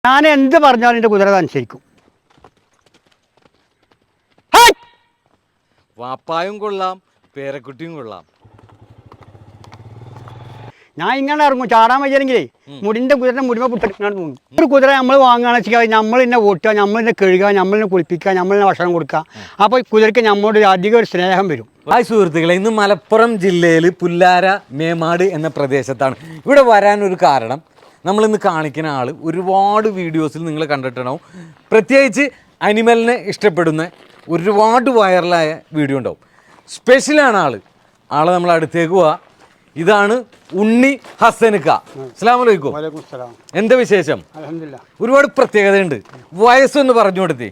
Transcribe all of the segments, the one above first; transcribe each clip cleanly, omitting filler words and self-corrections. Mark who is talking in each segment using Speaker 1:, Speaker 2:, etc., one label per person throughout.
Speaker 1: ഞാൻ എന്ത് പറഞ്ഞാലും എൻ്റെ കുതിര അനുസരിക്കും.
Speaker 2: വാപ്പായും കൊള്ളാം, പേരക്കുട്ടിയും കൊള്ളാം.
Speaker 1: ഞാൻ ഇങ്ങനെ ഇറങ്ങും ചാടാൻ വയ്യെങ്കിലേ മുടിൻ്റെ കുതിരൻ്റെ മുടിമ പുട്ടെടുക്കാൻ തോന്നും. ഒരു കുതിര നമ്മൾ വാങ്ങുകയാണെന്ന് വെച്ചാൽ നമ്മൾ തന്നെ ഓട്ടുക, നമ്മൾ തന്നെ കഴുകുക, നമ്മൾ തന്നെ കുളിപ്പിക്കുക, നമ്മൾ തന്നെ ഭക്ഷണം കൊടുക്കുക. അപ്പോൾ കുതിരയ്ക്ക് നമ്മളോട് അധികം ഒരു സ്നേഹം വരും.
Speaker 2: ഹായ് സുഹൃത്തുക്കളെ, ഇന്ന് മലപ്പുറം ജില്ലയിൽ പുല്ലാര മേമാട് എന്ന പ്രദേശത്താണ്. ഇവിടെ വരാനൊരു കാരണം, നമ്മളിന്ന് കാണിക്കുന്ന ആൾ ഒരുപാട് വീഡിയോസിൽ നിങ്ങൾ കണ്ടിട്ടുണ്ടാവും. പ്രത്യേകിച്ച് അനിമലിനെ ഇഷ്ടപ്പെടുന്ന ഒരുപാട് വൈറലായ വീഡിയോ ഉണ്ടാവും. സ്പെഷ്യലാണ് ആളെ നമ്മൾ അടുത്തേക്ക് പോവാ. ഇതാണ് ഉണ്ണി ഹസനുക്ക. അസ്സലാമു അലൈക്കും. എന്താ വിശേഷം? ഒരുപാട് പ്രത്യേകതയുണ്ട്. വയസ്സൊന്ന് പറഞ്ഞു കൊടുത്തേ.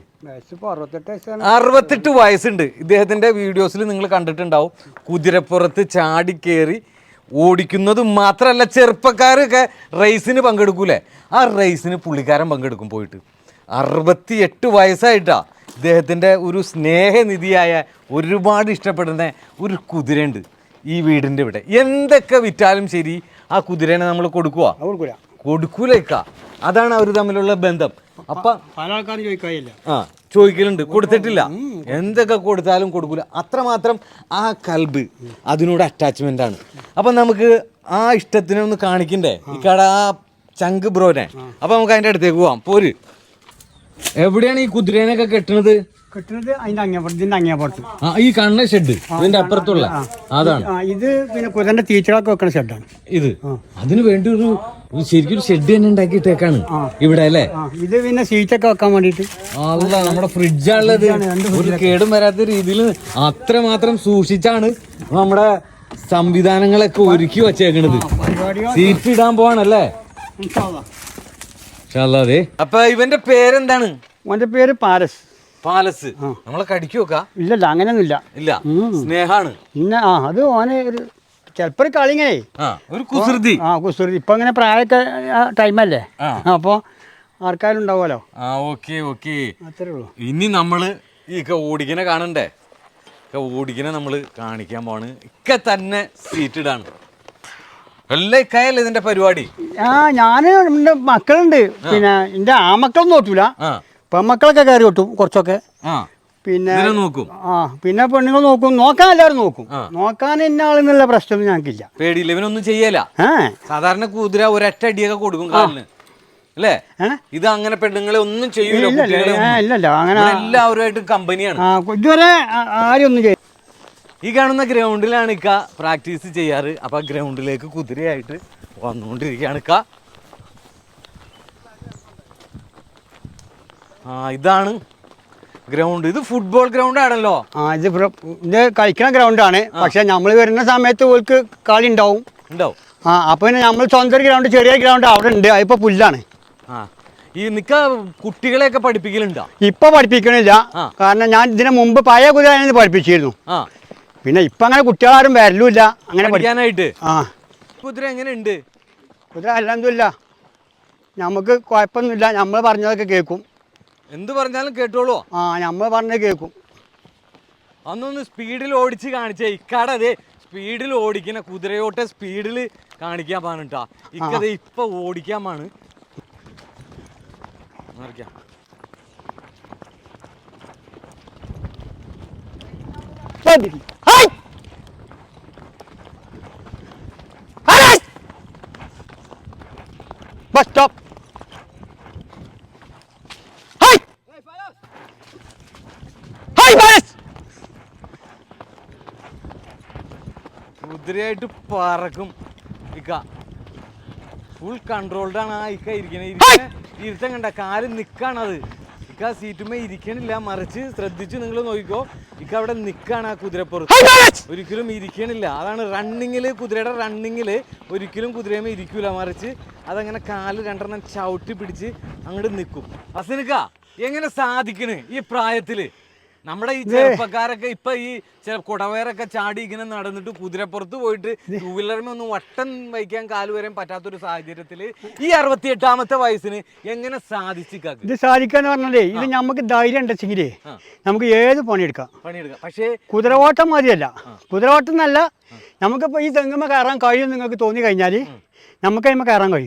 Speaker 2: 68 വയസ്സുണ്ട്. ഇദ്ദേഹത്തിന്റെ വീഡിയോസിൽ നിങ്ങൾ കണ്ടിട്ടുണ്ടാവും. കുതിരപ്പുറത്ത് ചാടിക്കേറി ഓടിക്കുന്നത് മാത്രമല്ല, ചെറുപ്പക്കാരൊക്കെ റേസിന് പങ്കെടുക്കൂലേ, ആ റേസിന് പുള്ളിക്കാരൻ പങ്കെടുക്കും പോയിട്ട്. 68 വയസ്സായിട്ടാ ഇദ്ദേഹത്തിൻ്റെ ഒരു സ്നേഹനിധിയായ ഒരുപാട് ഇഷ്ടപ്പെടുന്ന ഒരു കുതിരയുണ്ട് ഈ വീടിൻ്റെ ഇവിടെ. എന്തൊക്കെ വിറ്റാലും ശരി ആ കുതിരേനെ നമ്മൾ കൊടുക്കൂലേക്ക. അതാണ് അവർ തമ്മിലുള്ള ബന്ധം. അപ്പം
Speaker 1: പല ആൾക്കാരും ചോദിക്കാറില്ല.
Speaker 2: ചോദിക്കലുണ്ട്, കൊടുത്തിട്ടില്ല. എന്തൊക്കെ കൊടുത്താലും കൊടുക്കൂല. അത്രമാത്രം ആ കൽബ് അതിനോട് അറ്റാച്ച്മെന്റ് ആണ്. അപ്പം നമുക്ക് ആ ഇഷ്ടത്തിനെ ഒന്ന് കാണിക്കണ്ടേ ഇക്കാട ആ ചങ്ക് ബ്രോനെ. അപ്പൊ നമുക്ക് അതിന്റെ അടുത്തേക്ക് പോവാം. പോര്. എവിടെയാണ് ഈ കുതിരേനൊക്കെ കെട്ടുന്നത്? ഈ കണ്ണ ഷെഡ് ഇതിന്റെ അപ്പുറത്തുള്ള അതാണ്.
Speaker 1: ഇത് പിന്നെ കുതിരന്റെ തീറ്റകളൊക്കെ വെക്കുന്ന ഷെഡാണ് ഇത്.
Speaker 2: അതിന് വേണ്ടി ഒരു ശരിക്കും ഷെഡ് തന്നെ ഉണ്ടാക്കിയിട്ടേക്കാണ് ഇവിടെ അല്ലേ.
Speaker 1: ഇത് പിന്നെ സീറ്റൊക്കെ വെക്കാൻ വേണ്ടിട്ട്
Speaker 2: നമ്മുടെ ഫ്രിഡ്ജാണുള്ളത്. ഒരു കേടും വരാത്ത രീതിയിൽ അത്രമാത്രം സൂക്ഷിച്ചാണ് നമ്മുടെ സംവിധാനങ്ങളൊക്കെ ഒരുക്കി വച്ചേക്കണത്. സീറ്റ് ഇടാൻ പോവാണല്ലേ. അപ്പൊ ഇവന്റെ പേരെന്താണ്?
Speaker 1: അവന്റെ പേര് പാലസ്.
Speaker 2: പാലസ്. നമ്മളെ കടിക്കുവോക്കാ?
Speaker 1: ഇല്ലല്ല, അങ്ങനെയൊന്നുമില്ല.
Speaker 2: ഇല്ല, സ്നേഹാണ്.
Speaker 1: പിന്നെ അത് ഓന് ഒരു ചിലപ്പോ ഒരു കളിങ്ങനെ
Speaker 2: ഒരു കുസൃതി.
Speaker 1: കുസൃതി. ഇപ്പൊ ഇങ്ങനെ പ്രായമൊക്കെ ടൈമല്ലേ, അപ്പൊ ആർക്കാരും ഉണ്ടാവുമല്ലോ.
Speaker 2: അത്രേ ഉള്ളൂ. ഇനി നമ്മള് ഈ ഓടിക്കനെ കാണണ്ടേ? ഓടിക്കനെ നമ്മള് കാണിക്കാൻ പോണ്. തന്നെ സീറ്റ് ഇടാണ്. എല്ലാം ഇക്കായല്ലേ ഇതിന്റെ പരിപാടി?
Speaker 1: ഞാന് എന്റെ മക്കളുണ്ട്. പിന്നെ എന്റെ ആമക്കളൊന്നും ഓട്ടൂല, പെൺമക്കളൊക്കെ കയറി ഓട്ടും കുറച്ചൊക്കെ. പിന്നെ പിന്നെ പെണ്ണുങ്ങൾ നോക്കും. നോക്കാൻ എല്ലാവരും നോക്കും. നോക്കാൻ എന്നെ ആളെന്നുള്ള പ്രശ്നം ഞങ്ങൾക്കില്ല.
Speaker 2: പേടിയില്ല, ഇവനൊന്നും ചെയ്യല. സാധാരണ കുതിര ഒരൊറ്റ അടിയൊക്കെ കൊടുക്കും കാലിന് അല്ലേ? ഇത് അങ്ങനെ പെണ്ണുങ്ങളെ ഒന്നും ചെയ്യൂല.
Speaker 1: ഇല്ലല്ലോ, അങ്ങനെ
Speaker 2: എല്ലാവരുമായിട്ട് കമ്പനിയാണ്.
Speaker 1: ഇതുവരെ ആരും ഒന്നും ചെയ്യും.
Speaker 2: ഈ കാണുന്ന ഗ്രൗണ്ടിലാണ് ഇക്ക പ്രാക്ടീസ് ചെയ്യാറ്. അപ്പൊ ഗ്രൗണ്ടിലേക്ക് കുതിരയായിട്ട് വന്നുകൊണ്ടിരിക്കുകയാണ് ഇക്ക. ഇതാണ് ഗ്രൗണ്ട്. ഇത് ഫുട്ബോൾ ഗ്രൗണ്ട് ആണല്ലോ.
Speaker 1: ഇത് കളിക്കുന്ന ഗ്രൗണ്ടാണ്. പക്ഷെ നമ്മൾ വരുന്ന സമയത്ത് ഓൾക്ക് കളി ഉണ്ടാവും. അപ്പൊ പിന്നെ നമ്മൾ സ്വന്തം ഗ്രൗണ്ട്, ചെറിയ ഗ്രൗണ്ട് അവിടെ ഉണ്ട്. അതിപ്പോ പുല്ലാണ്.
Speaker 2: ഈ കുട്ടികളെയൊക്കെ പഠിപ്പിക്കലുണ്ടോ?
Speaker 1: ഇപ്പൊ പഠിപ്പിക്കണില്ല, കാരണം ഞാൻ ഇതിന് മുമ്പ് പഴയ കുതിര പഠിപ്പിച്ചിരുന്നു. പിന്നെ ഇപ്പൊ അങ്ങനെ കുട്ടികളാരും വരലുമില്ല അങ്ങനെ
Speaker 2: പഠിക്കാനായിട്ട്. കുതിര എങ്ങനെയുണ്ട്?
Speaker 1: കുതിര അൽഹംദുലില്ലാ നമുക്ക് കുഴപ്പമൊന്നുമില്ല. നമ്മൾ പറഞ്ഞതൊക്കെ കേൾക്കും.
Speaker 2: എന്ത് പറഞ്ഞാലും കേട്ടോളൂ.
Speaker 1: നമ്മൾ പറഞ്ഞത് കേൾക്കും.
Speaker 2: അന്നൊന്ന് സ്പീഡിൽ ഓടിച്ച് കാണിച്ചേ. ഇക്കാടെ അതെ സ്പീഡിൽ ഓടിക്കുന്ന കുതിരയോട്ടെ സ്പീഡിൽ കാണിക്കാൻ പാണിട്ടാ. ഇക്കത് ഇപ്പൊ ഓടിക്കാൻ പാണ്.
Speaker 1: Bus stop.
Speaker 2: കുതിരയായിട്ട് പറക്കും ഇക്ക. ഫുൾ കൺട്രോൾഡാണ് ആ ഇക്ക ഇരിക്കണേ. ഇരുത്തം കണ്ട കാല് നിക്കാണത്. ഇക്ക സീറ്റുമേ ഇരിക്കണില്ല, മറിച്ച് ശ്രദ്ധിച്ച് നിങ്ങൾ നോക്കിക്കോ. ഇക്ക അവിടെ നിക്കാണ് ആ കുതിരപ്പുറത്ത്, ഒരിക്കലും ഇരിക്കണില്ല. അതാണ് റണ്ണിങ്ങില്, കുതിരയുടെ റണ്ണിങ്ങില് ഒരിക്കലും കുതിരയുമേ ഇരിക്കൂല, മറിച്ച് അതങ്ങനെ കാല് രണ്ടെണ്ണം ചവിട്ടി പിടിച്ച് അങ്ങോട്ട് നിൽക്കും. ഹസനുക്ക എങ്ങനെ സാധിക്കണ് ഈ പ്രായത്തില്? നമ്മുടെ ഈ ചെറുപ്പക്കാരൊക്കെ ഇപ്പൊ ഈ കുടവയറൊക്കെ ചാടി ഇങ്ങനെ നടന്നിട്ട് കുതിരപ്പുറത്ത് പോയിട്ട് ടൂ വീലറിന് ഒന്നും വട്ടം വയ്ക്കാൻ കാല് വരാൻ പറ്റാത്തൊരു സാഹചര്യത്തില് ഈ 68ാമത്തെ വയസ്സിന് എങ്ങനെ സാധിച്ചിക്കാക്ക്?
Speaker 1: ഇത് സാധിക്കാന്ന് പറഞ്ഞാലേ, ഇത് നമുക്ക് ധൈര്യം ഉണ്ടെങ്കിലേ നമുക്ക് ഏത് പണിയെടുക്കാം.
Speaker 2: പക്ഷേ
Speaker 1: കുതിരയോട്ടം മതിയല്ല. കുതിരയോട്ടം എന്നല്ല, നമുക്കിപ്പോ ഈ തെങ്ങുമ്മ കയറാൻ കഴിയും നിങ്ങൾക്ക് തോന്നി കഴിഞ്ഞാല് നമുക്ക് അതിന്മേൽ കയറാൻ കഴിയും.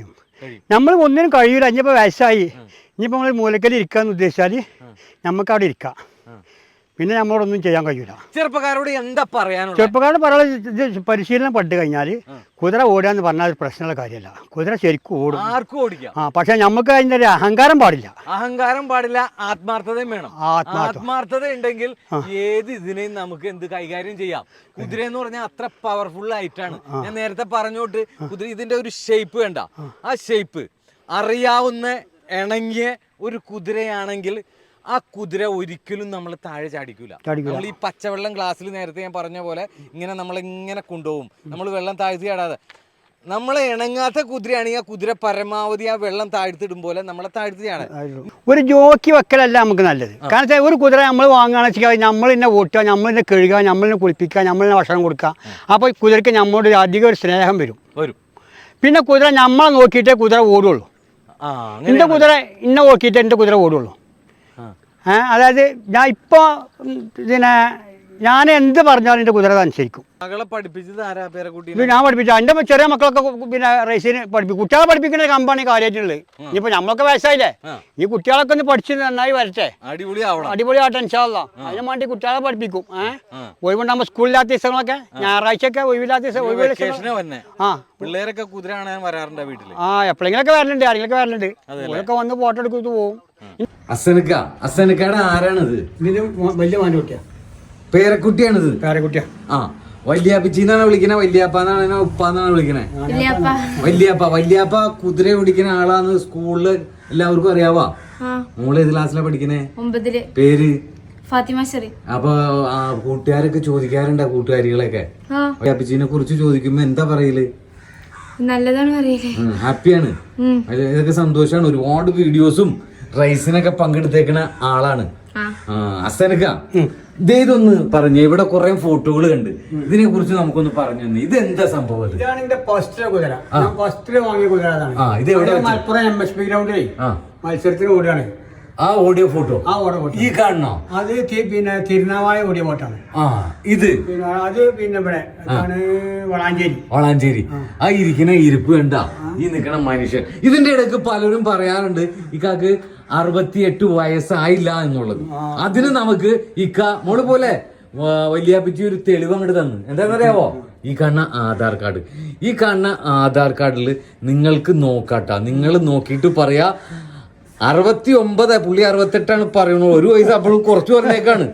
Speaker 1: നമ്മൾ ഒന്നിനും കഴിയൂല. ഇനിയിപ്പോൾ വയസ്സായി, ഇനിയിപ്പോൾ നമ്മൾ മൂലക്കൽ ഇരിക്കാന്ന് ഉദ്ദേശിച്ചാൽ നമുക്ക് അവിടെ ഇരിക്കാം. പിന്നെ നമ്മളോടൊന്നും ചെയ്യാൻ കഴിയൂല.
Speaker 2: ചെറുപ്പക്കാരോട് എന്താ പറയാനുള്ളത്?
Speaker 1: ചെറുപ്പക്കാരോട് പറയാൻ പരിശീലനം പെട്ട് കഴിഞ്ഞാൽ കുതിര ഓടുകയെന്ന് പറഞ്ഞാൽ ഒരു പ്രശ്നമുള്ള കാര്യമല്ല. കുതിര ശരിക്കും ഓടും,
Speaker 2: ആർക്കും ഓടിക്കാം.
Speaker 1: പക്ഷെ നമുക്ക് അതിൻ്റെ ഒരു അഹങ്കാരം പാടില്ല.
Speaker 2: അഹങ്കാരം പാടില്ല, ആത്മാർത്ഥതയും വേണം. ആത്മാർത്ഥത ഉണ്ടെങ്കിൽ ഏത് ഇതിനെയും നമുക്ക് എന്ത് കൈകാര്യം ചെയ്യാം. കുതിര എന്ന് പറഞ്ഞാൽ അത്ര പവർഫുൾ ആയിട്ടാണ്. ഞാൻ നേരത്തെ പറഞ്ഞോട്ട് കുതിര ഇതിന്റെ ഒരു ഷേപ്പ് വേണ്ട, ആ ഷേപ്പ് അറിയാവുന്ന ഇണങ്ങിയ ഒരു കുതിരയാണെങ്കിൽ ആ കുതിര ഒരിക്കലും നമ്മൾ താഴെ ചാടിക്കൂല. നമ്മൾ ഈ പച്ചവെള്ളം ഗ്ലാസ്സിൽ നേരത്തെ ഞാൻ പറഞ്ഞ പോലെ ഇങ്ങനെ നമ്മളിങ്ങനെ കൊണ്ടുപോകും. നമ്മൾ വെള്ളം താഴ്ത്തി ചാടാതെ. നമ്മളെ ഇണങ്ങാത്ത കുതിരയാണെങ്കിൽ ആ കുതിര പരമാവധി ആ വെള്ളം താഴ്ത്തിടും പോലെ നമ്മളെ താഴ്ത്തി ചാടാൻ.
Speaker 1: ഒരു ജോക്കി വെക്കലല്ല നമുക്ക് നല്ലത്. കാരണം വെച്ചാൽ ഒരു കുതിര നമ്മൾ വാങ്ങുകയാണെന്ന് വെച്ചാൽ നമ്മൾ തന്നെ ഓട്ടുക, നമ്മൾ തന്നെ കഴുകുക, നമ്മൾ തന്നെ കുളിപ്പിക്കുക, നമ്മൾ തന്നെ ഭക്ഷണം കൊടുക്കുക. അപ്പോൾ ഈ കുതിരയ്ക്ക് നമ്മളോട് അധികം ഒരു സ്നേഹം വരും. പിന്നെ കുതിര നമ്മളെ നോക്കിയിട്ടേ കുതിര ഓടുള്ളൂ. എൻ്റെ കുതിര ഇന്നെ നോക്കിയിട്ടേ എൻ്റെ കുതിര ഓടുള്ളൂ. അതായത് ഞാൻ ഇപ്പോൾ ഞാൻ എന്ത് പറഞ്ഞാലും എൻ്റെ കുതിര അനുസരിക്കും.
Speaker 2: മകളെ പഠിപ്പിച്ചത് ആരാ? പേരക്കുട്ടി
Speaker 1: ഞാൻ പഠിപ്പിച്ചു. എൻ്റെ ചെറിയ മക്കളൊക്കെ റേസിന് പഠിപ്പിക്കും. കുട്ടികളെ പഠിപ്പിക്കുന്ന കമ്പാണ് കാര്യമായിട്ടുള്ളത്. ഇനിയിപ്പോൾ നമ്മളൊക്കെ വയസ്സായില്ലേ, ഈ കുട്ടികളൊക്കെ ഒന്ന് പഠിച്ച് നന്നായി വരട്ടെ, അടിപൊളിയാട്ടെ ഇൻഷാ അല്ലാഹ്. അതിന് വേണ്ടി കുട്ടികളെ പഠിപ്പിക്കും. ഒഴിവുണ്ടാകുമ്പോൾ സ്കൂളില്ലാത്ത ദിവസങ്ങളൊക്കെ, ഞായറാഴ്ചയൊക്കെ ഒഴിവില്ലാത്ത ദിവസം
Speaker 2: പിള്ളേരൊക്കെ കുതിര കാണാൻ വരാറുണ്ട് വീട്ടില്.
Speaker 1: എപ്പോഴെങ്കിലൊക്കെ വരലുണ്ട്, ആരെങ്കിലൊക്കെ വരലുണ്ട്. അവരൊക്കെ വന്ന് ഫോട്ടോ എടുത്തിട്ട് പോകും.
Speaker 3: അസനക്കാട് ആരാണിത്?
Speaker 1: ഇതിന് വലിയ മാൻ്റെ കുട്ടിയാണ്,
Speaker 3: പേരക്കുട്ടിയാണിത്.
Speaker 1: പേരക്കുട്ടിയാ.
Speaker 3: ആ, വല്യാപ്പിച്ചിന്നാണ് വിളിക്കണേ, വല്യാപ്പാന്നാണ് ഉപ്പാന്നാണ് വിളിക്കണേ? വല്യാപ്പ. വല്യാപ്പ കുതിര ഓടിക്കുന്ന ആളാന്ന് സ്കൂളില് എല്ലാവർക്കും അറിയാവാ? മോള് ഏത് ക്ലാസ്സിലാ പഠിക്കണേ?
Speaker 4: 9.
Speaker 3: പേര്?
Speaker 4: ഫാത്തിമ ഷെറി.
Speaker 3: അപ്പൊ കൂട്ടുകാരൊക്കെ ചോദിക്കാറുണ്ട്, കൂട്ടുകാരികളൊക്കെ വല്യാപ്പിച്ചിനെ കുറിച്ച് ചോദിക്കുമ്പോ എന്താ പറയല്?
Speaker 4: നല്ലതാണ് പറയല്.
Speaker 3: ഹാപ്പിയാണ്, ഇതൊക്കെ സന്തോഷാണ്. ഒരുപാട് വീഡിയോസും റൈസിനൊക്കെ പങ്കെടുത്തേക്കണ ആളാണ് അസനക്ക. ഇതൊന്ന് പറഞ്ഞു, ഇവിടെ കുറെ ഫോട്ടോകൾ കണ്ട്, ഇതിനെ കുറിച്ച് നമുക്കൊന്ന് പറഞ്ഞു തന്നെ. ഇത് എന്താ സംഭവം?
Speaker 1: ഇതാണ് എന്റെ ഫസ്റ്റ് കുതിര. ഫസ്റ്റ് വാങ്ങിയ കുതിര.
Speaker 3: ഇത് എവിടെ?
Speaker 1: മലപ്പുറം MSP ഗ്രൗണ്ടിലേ മത്സരത്തിന് ഓടുകയാണ്.
Speaker 3: ആ ഓടിയ ഫോട്ടോ ഈ കാണണോ?
Speaker 1: അത് പിന്നെ തിരുനാവായ ഓടിയ ഫോട്ടാണ്.
Speaker 3: ഇത്
Speaker 1: അത് പിന്നെ ഇവിടെ
Speaker 3: വളാഞ്ചേരി. ആ ഇരിക്കുന്ന ഇരിപ്പ് കണ്ട, ഈ നിക്കണ മനുഷ്യൻ. ഇതിന്റെ ഇടയ്ക്ക് പലരും പറയാറുണ്ട് ഇക്കാക്ക് 68 വയസ്സായില്ല എന്നുള്ളത്. അതിന് നമുക്ക് ഇക്ക മോള് പോലെ വല്യാപ്പിച്ച് ഒരു തെളിവ് അങ്ങോട്ട് തന്നു. എന്താണെന്നറിയാവോ? ഈ കാണുന്ന ആധാർ കാർഡ്. ഈ കാണുന്ന ആധാർ കാർഡിൽ നിങ്ങൾക്ക് നോക്കാട്ടാ, നിങ്ങൾ നോക്കിയിട്ട് പറയാ 69. പുള്ളി 68 പറയുന്നത്. ഒരു വയസ്സ് അപ്പോഴും കുറച്ച് പറഞ്ഞേക്കാണ്.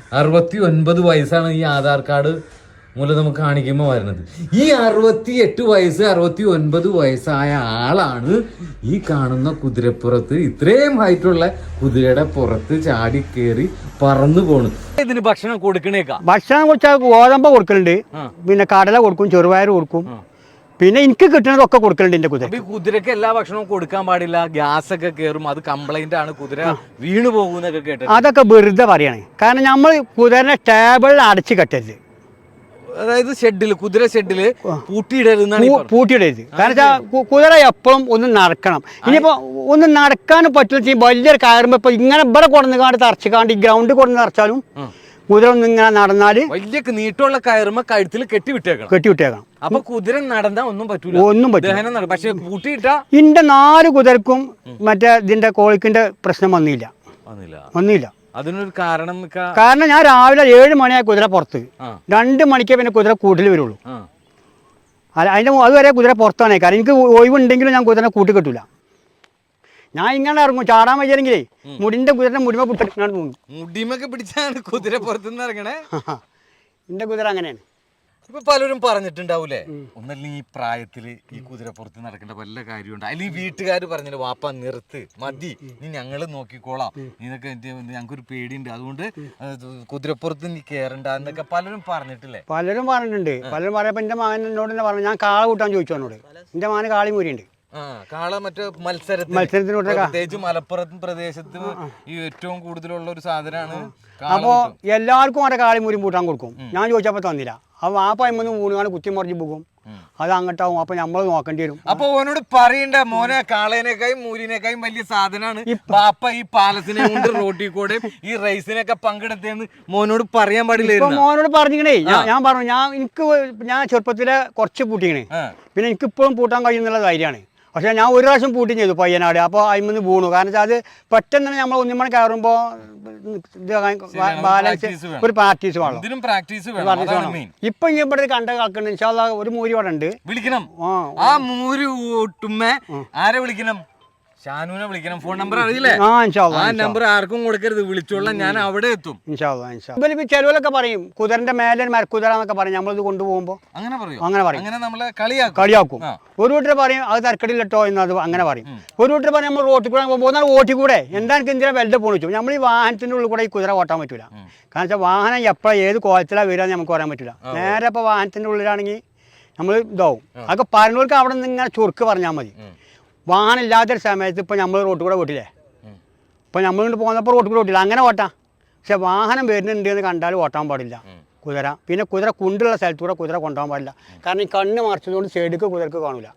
Speaker 3: 69 വയസ്സാണ് ഈ ആധാർ കാർഡ് മൂലം നമുക്ക് കാണിക്കുമ്പോൾ വരുന്നത്. ഈ 68 വയസ്സ് 69 വയസ്സായ ആളാണ് ഈ കാണുന്ന കുതിരപ്പുറത്ത്, ഇത്രയും ഹൈറ്റുള്ള കുതിരയുടെ പുറത്ത് ചാടി കയറി പറന്നു പോണ്.
Speaker 2: ഇതിന് ഭക്ഷണം കൊടുക്കണേക്കാ?
Speaker 1: ഭക്ഷണം കൊടുത്താൽ ഗോതമ്പ് കൊടുക്കലുണ്ട്, പിന്നെ കടല കൊടുക്കും, ചെറുപയർ കൊടുക്കും, പിന്നെ എനിക്ക് കിട്ടുന്നതൊക്കെ കൊടുക്കലുണ്ട് എൻ്റെ കുതിര.
Speaker 2: കുതിരക്ക് എല്ലാ ഭക്ഷണവും കൊടുക്കാൻ പാടില്ല, ഗ്യാസ് ഒക്കെ കയറും, അത് കംപ്ലൈന്റ് ആണ്, കുതിര വീണു പോകുന്നൊക്കെ കേട്ടത്.
Speaker 1: അതൊക്കെ വെറുതെ പറയാണ്. കാരണം നമ്മൾ കുതിരനെ ടേബിളിൽ അടച്ചു കെട്ടരുത്.
Speaker 2: അതായത് ഷെഡില്, കുതിര ഷെഡില് പൂട്ടിയിടരുത്.
Speaker 1: പൂട്ടിയിടരുത്. കാരണം വെച്ചാൽ കുതിര എപ്പോഴും ഒന്ന് നടക്കണം. ഇനിയിപ്പോൾ ഒന്ന് നടക്കാനും പറ്റില്ല. വലിയൊരു കയറുമ്പോൾ ഇപ്പൊ ഇങ്ങനെ ഇവിടെ കൊടുന്നുകാണ്ട് തറച്ചുകാണ്ട് ഈ ഗ്രൗണ്ടിൽ കൊടുന്ന് തറച്ചാലും കുതിര ഒന്ന് ഇങ്ങനെ നടന്നാല്
Speaker 2: വലിയ നീട്ടമുള്ള കയറുമ്പോ കഴുത്തിൽ കെട്ടിവിട്ടേക്കണം. അപ്പൊ കുതിര നടന്നാ ഒന്നും പറ്റില്ല. പക്ഷെ പൂട്ടിയിട്ട ഇന്റെ
Speaker 1: 4 കുതിരക്കും മറ്റേ ഇതിന്റെ കോളിക്കിന്റെ പ്രശ്നം വന്നില്ല.
Speaker 2: അതിനൊരു കാരണം
Speaker 1: ഞാൻ രാവിലെ 7 മണിയായ കുതിര പുറത്ത്, 2 മണിക്കേ പിന്നെ കുതിര കൂട്ടിൽ വരുള്ളൂ. അതിന്റെ അതുവരെ കുതിര പുറത്താണ്. കാരണം എനിക്ക് ഒഴിവുണ്ടെങ്കിലും ഞാൻ കുതിരനെ കൂട്ടി കെട്ടൂല. ഞാൻ ഇങ്ങനെ ഇറങ്ങും, ചാടാൻ വയ്യെങ്കിലേ മുടിന്റെ കുതിരന്റെ മുടിമ പിടിച്ചാണ് തോന്നും.
Speaker 2: മുടിമൊക്കെ പിടിച്ചാണ് കുതിര പുറത്തുനിന്ന് ഇറങ്ങണേ.
Speaker 1: എന്റെ കുതിര അങ്ങനെയാണ്.
Speaker 2: ഇപ്പൊ പലരും പറഞ്ഞിട്ടുണ്ടാവൂലേ, ഒന്നല്ലെങ്കിൽ ഈ പ്രായത്തില് ഈ കുതിര പുറത്ത് നടക്കേണ്ട വല്ല കാര്യമുണ്ട്, അല്ലെങ്കിൽ വീട്ടുകാർ പറഞ്ഞില്ല വാപ്പ നിർത്ത് മതി, നീ ഞങ്ങള് നോക്കിക്കോളാം, ഇതൊക്കെ ഞങ്ങൾക്കൊരു പേടിയുണ്ട്, അതുകൊണ്ട് കുതിരപ്പുറത്ത് നീ കേറണ്ട എന്നൊക്കെ പലരും പറഞ്ഞിട്ടില്ലേ?
Speaker 1: പലരും പറഞ്ഞിട്ടുണ്ട്. പലരും പറയപ്പോ എന്റെ മകൻ എന്നോട് തന്നെ പറഞ്ഞു, ഞാൻ കാള കൂട്ടാൻ ചോദിച്ചു എന്നോട്. എന്റെ മകന് കാളിമൂരിയുണ്ട്.
Speaker 2: കാള മറ്റേ മത്സരത്തിന് പ്രത്യേകിച്ച് മലപ്പുറം പ്രദേശത്ത് ഈ ഏറ്റവും കൂടുതലുള്ള ഒരു സാധനമാണ്.
Speaker 1: അപ്പോ എല്ലാവർക്കും അവിടെ കാളിമൂരിയും പൂട്ടാൻ കൊടുക്കും. ഞാൻ ചോദിച്ചപ്പോ തന്നില്ല. അപ്പൊ ആ പൈമന്ന് മൂന്നുകാണ് കുത്തി മറിഞ്ഞ് പോകും, അത് അങ്ങോട്ടാവും. അപ്പൊ നമ്മൾ നോക്കേണ്ടി വരും.
Speaker 2: അപ്പൊ ഓനോട് പറയണ്ട, മോനെ കാളേനേക്കായും മൂരിനേക്കായും വലിയ സാധനമാണ് ബാപ്പ ഈ പാലത്തിനെ കൊണ്ട് റോട്ടിൽ കൂടെ ഈ റേസിനൊക്കെ പങ്കെടുത്തേന്ന് മോനോട് പറയാൻ പാടില്ല.
Speaker 1: മോനോട് പറഞ്ഞിക്കണേ. ഞാൻ പറഞ്ഞു, ഞാൻ ചെറുപ്പത്തിലെ കുറച്ച് പൂട്ടിക്കണേ, പിന്നെ എനിക്ക് ഇപ്പോഴും പൂട്ടാൻ കഴിയുന്നുള്ള ധൈര്യമാണ്. പക്ഷെ ഞാൻ ഒരു പ്രാവശ്യം പൂട്ടി ചെയ്തു പയ്യനാട്. അപ്പോൾ അതിൽ വീണു. കാരണം വെച്ചാൽ അത് പെട്ടെന്ന് നമ്മൾ ഒന്നിമണി കയറുമ്പോൾ ബാലൻസ് ഒരു പ്രാക്ടീസ് വേണം. ഇപ്പൊ ഇവിടെ കണ്ട കളക്കുന്നുണ്ട്. ഇൻഷാല്ലാ ഒരു മൂരി ഇവിടെ ഉണ്ട്.
Speaker 2: വിളിക്കണം. ആ മൂരി ഊട്ടുമ്മ ആരെ വിളിക്കണം? ഷാനുവിനെ വിളിക്കണം. ഫോൺ നമ്പർ അറിയില്ലേ? ആ നമ്പർ ആർക്കും കൊടുക്കരുത്, വിളിച്ചോളാം, ഞാൻ അവിടെ എത്തും.
Speaker 1: ചെലവിലൊക്കെ പറയും കുതിരന്റെ മേലെ മരക്കുതിര എന്നൊക്കെ പറയും. നമ്മളിത് കൊണ്ടുപോകുമ്പോ
Speaker 2: അങ്ങനെ പറയും.
Speaker 1: അങ്ങനെ
Speaker 2: നമ്മളെ
Speaker 1: കളിയാക്കും. ഒരു വീട്ടിൽ പറയും അത് തരക്കടില്ലട്ടോ എന്നത് അങ്ങനെ പറയും. ഒരു വീട്ടിൽ പറയും നമ്മൾ റോട്ടിൽ കൂടെ പോകുന്ന ഓട്ടി കൂടെ എന്താ എനിക്ക് എന്തിനാ വെല്ലെ പോണിച്ചു. നമ്മൾ ഈ വാഹനത്തിന്റെ ഉള്ളിൽ കൂടെ ഈ കുതിര ഓട്ടാൻ പറ്റൂല. കാരണം വെച്ചാൽ വാഹനം എപ്പോഴാണ് ഏത് കോലത്തിലാണ് വരിക നമുക്ക് പറയാൻ പറ്റില്ല. നേരെ ഇപ്പോൾ വാഹനത്തിന്റെ ഉള്ളിലാണെങ്കിൽ നമ്മൾ ഇതാവും. അതൊക്കെ പറഞ്ഞവർക്ക് അവിടെ നിന്ന് ഇങ്ങനെ ചുരുക്ക് പറഞ്ഞാൽ മതി. വാഹനം ഇല്ലാത്തൊരു സമയത്ത് ഇപ്പോൾ നമ്മൾ റോട്ടിൽ കൂടെ ഓട്ടില്ലേ, ഇപ്പോൾ നമ്മളിങ്ങോട്ട് പോകുന്നപ്പോൾ റോട്ടിൽ കൂടെ ഓട്ടില്ല, അങ്ങനെ ഓട്ടാം. പക്ഷെ വാഹനം വരുന്നുണ്ട് എന്ന് കണ്ടാൽ ഓട്ടാൻ പാടില്ല കുതിര. പിന്നെ കുതിര കുണ്ടുള്ള സ്ഥലത്ത് കൂടെ കുതിര കൊണ്ടുപോകാൻ പാടില്ല. കാരണം ഈ കണ്ണ് മറച്ചതുകൊണ്ട് സൈഡിക്ക് കുതിരക്ക് കാണൂല.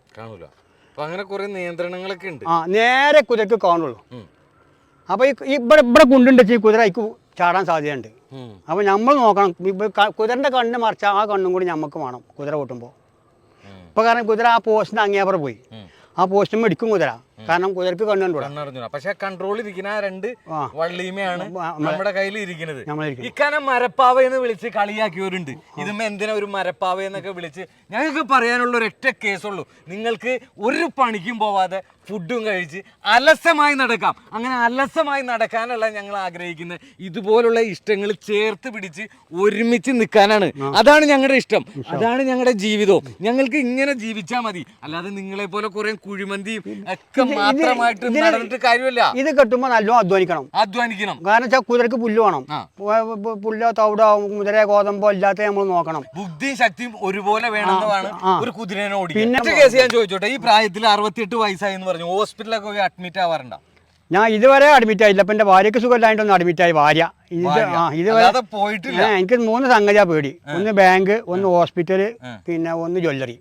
Speaker 2: അങ്ങനെ കുറെ നിയന്ത്രണങ്ങളൊക്കെ ഉണ്ട്.
Speaker 1: നേരെ കുതിരക്ക് കാണുള്ളൂ. അപ്പോൾ ഈ ഇവിടെ കുണ്ടുണ്ട് ഈ കുതിര അതിക്ക് ചാടാൻ സാധ്യതയുണ്ട്. അപ്പോൾ നമ്മൾ നോക്കണം. കുതിരൻ്റെ കണ്ണ് മറച്ചാൽ ആ കണ്ണും കൂടി നമുക്ക് വേണം കുതിര ഓട്ടുമ്പോൾ. ഇപ്പോൾ കാരണം കുതിര ആ പോസ്റ്റിൻ്റെ അങ്ങേപ്പുറം പോയി, ആ പോസ്റ്റും മേടിക്കും കുതിര. കാരണം കുതിരക്ക് കണ്ണുണ്ടോ.
Speaker 2: പക്ഷെ കൺട്രോൾ ഇരിക്കുന്ന രണ്ട് വള്ളിയുമാണ് നമ്മുടെ കയ്യിൽ ഇരിക്കുന്നത്. ഇക്കാനം മരപ്പാവ എന്ന് വിളിച്ച് കളിയാക്കിയവരുണ്ട്. ഇതുമ്മ എന്തിനാ ഒരു മരപ്പാവ എന്നൊക്കെ വിളിച്ച്. ഞങ്ങൾക്ക് പറയാനുള്ള ഒരൊറ്റ കേസുള്ളൂ, നിങ്ങൾക്ക് ഒരു പണിക്കും പോവാതെ ഫുഡും കഴിച്ച് അലസമായി നടക്കാം. അങ്ങനെ അലസമായി നടക്കാനല്ല ഞങ്ങൾ ആഗ്രഹിക്കുന്നത്, ഇതുപോലുള്ള ഇഷ്ടങ്ങൾ ചേർത്ത് പിടിച്ച് ഒരുമിച്ച് നിൽക്കാനാണ്. അതാണ് ഞങ്ങളുടെ ഇഷ്ടം, അതാണ് ഞങ്ങളുടെ ജീവിതവും. ഞങ്ങൾക്ക് ഇങ്ങനെ ജീവിച്ചാൽ മതി. അല്ലാതെ നിങ്ങളെ പോലെ കുറെ കുഴിമന്തിയും ഒക്കെ മാത്രമായിട്ട് നടന്നിട്ട് കാര്യമില്ല.
Speaker 1: ഇത് കെട്ടുമ്പോൾ നല്ലോണം അധ്വാനിക്കണം. കാരണം വെച്ചാൽ കുതിരക്ക് പുല്ല് വേണം. പുല്ലോ തവിടോ മുതിര ഗോതമ്പോ ഇല്ലാത്ത നമ്മൾ നോക്കണം.
Speaker 2: ബുദ്ധിയും ശക്തിയും ഒരുപോലെ വേണമെന്നാണ് ഒരു കുതിരനെ ഓടിക്കാൻ. പിന്നെ കേസ് ഞാൻ ചോദിച്ചോട്ടെ, ഈ പ്രായത്തിൽ 68 വയസ്സായി എന്ന് പറഞ്ഞു ഹോസ്പിറ്റലൊക്കെ പോയി അഡ്മിറ്റ് ആവാറുണ്ടോ?
Speaker 1: ഞാൻ ഇതുവരെ അഡ്മിറ്റ് ആയില്ല. ഇപ്പം എൻ്റെ ഭാര്യയ്ക്ക് സുഖമില്ലായിട്ടൊന്ന് അഡ്മിറ്റ് ആയി. ഭാര്യ ഇതുവരെ
Speaker 2: പോയിട്ടില്ല.
Speaker 1: എനിക്ക് 3 സംഗതിയാ പേടി. ഒന്ന് ബാങ്ക്, ഒന്ന് ഹോസ്പിറ്റല്, പിന്നെ ഒന്ന് ജ്വല്ലറി.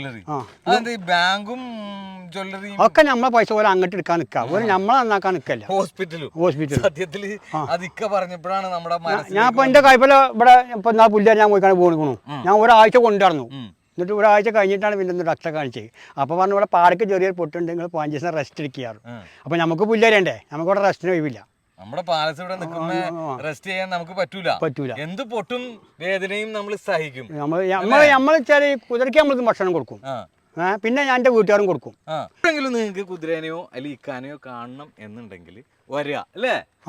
Speaker 2: ബാങ്കും ജ്വല്ലറിയും
Speaker 1: ഒക്കെ നമ്മളെ പൈസ പോലെ അങ്ങോട്ട് എടുക്കാൻ നിൽക്കാം. ഒരു നമ്മളെ നന്നാക്കാൻ നിൽക്കല്ല.
Speaker 2: ഹോസ്പിറ്റൽ സത്യത്തില് അതൊക്കെ പറഞ്ഞപ്പോഴാണ് നമ്മുടെ
Speaker 1: ഞാൻ ഇപ്പൊ എന്റെ കൈപ്പല ഇവിടെ ഇപ്പൊ എന്നാ പുല്ല് ഞാൻ പോയിക്കാണ് പോണിക്കണു. ഞാൻ ഒരാഴ്ച കൊണ്ടുവന്നു. എന്നിട്ട് ഒരാഴ്ച കഴിഞ്ഞിട്ടാണ് പിന്നെ ഒന്ന് ഡോക്ടറെ കാണിച്ചത്. അപ്പോൾ പറഞ്ഞു ഇവിടെ പാടക്ക് ചെറിയൊരു പൊട്ടുണ്ട്, നിങ്ങൾ 5 ദിവസം റെസ്റ്റ് എടുക്കാറ്. അപ്പോൾ നമുക്ക് പുല്ലരണ്ടേ, നമുക്കിവിടെ റെസ്റ്റിന് ഒഴിവില്ല.
Speaker 2: നമ്മുടെ പാലസ് ഇവിടെ നിൽക്കുമ്പോ റെസ്റ്റ് ചെയ്യാൻ നമുക്ക് പറ്റൂല. എന്ത് പൊട്ടും വേദനയും നമ്മൾ സഹിക്കും.
Speaker 1: നമ്മൾ വെച്ചാൽ കുതിരയ്ക്ക് നമ്മൾക്ക് ഭക്ഷണം കൊടുക്കും. പിന്നെ ഞാൻ എൻ്റെ വീട്ടുകാരും കൊടുക്കും.
Speaker 2: എപ്പോഴെങ്കിലും നിങ്ങൾക്ക് കുതിരേനെയോ അല്ലെങ്കിൽ ഇക്കാനെയോ കാണണം എന്നുണ്ടെങ്കിൽ വരിക അല്ലേ?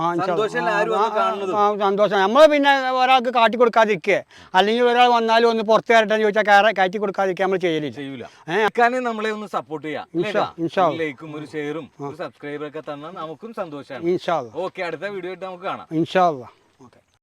Speaker 1: സന്തോഷം. നമ്മൾ പിന്നെ ഒരാൾക്ക് കാട്ടി കൊടുക്കാതിരിക്കുക, അല്ലെങ്കിൽ ഒരാൾ വന്നാലും ഒന്ന് പുറത്ത് കയറട്ടെ ചോദിച്ചാൽ കയറ്റി കൊടുക്കാതിരിക്കുക നമ്മൾ ചെയ്യൂല.
Speaker 2: നമ്മളെ ഒന്ന് സപ്പോർട്ട് ചെയ്യാം. ലൈക്കും ഒരു ഷെയറും ഒരു സബ്സ്ക്രൈബറൊക്കെ തന്നാൽ നമുക്കും സന്തോഷമാണ്. ഓക്കെ, അടുത്ത വീഡിയോ ആയിട്ട് നമുക്ക് കാണാം.
Speaker 1: ഇൻഷാ അല്ലാഹ്.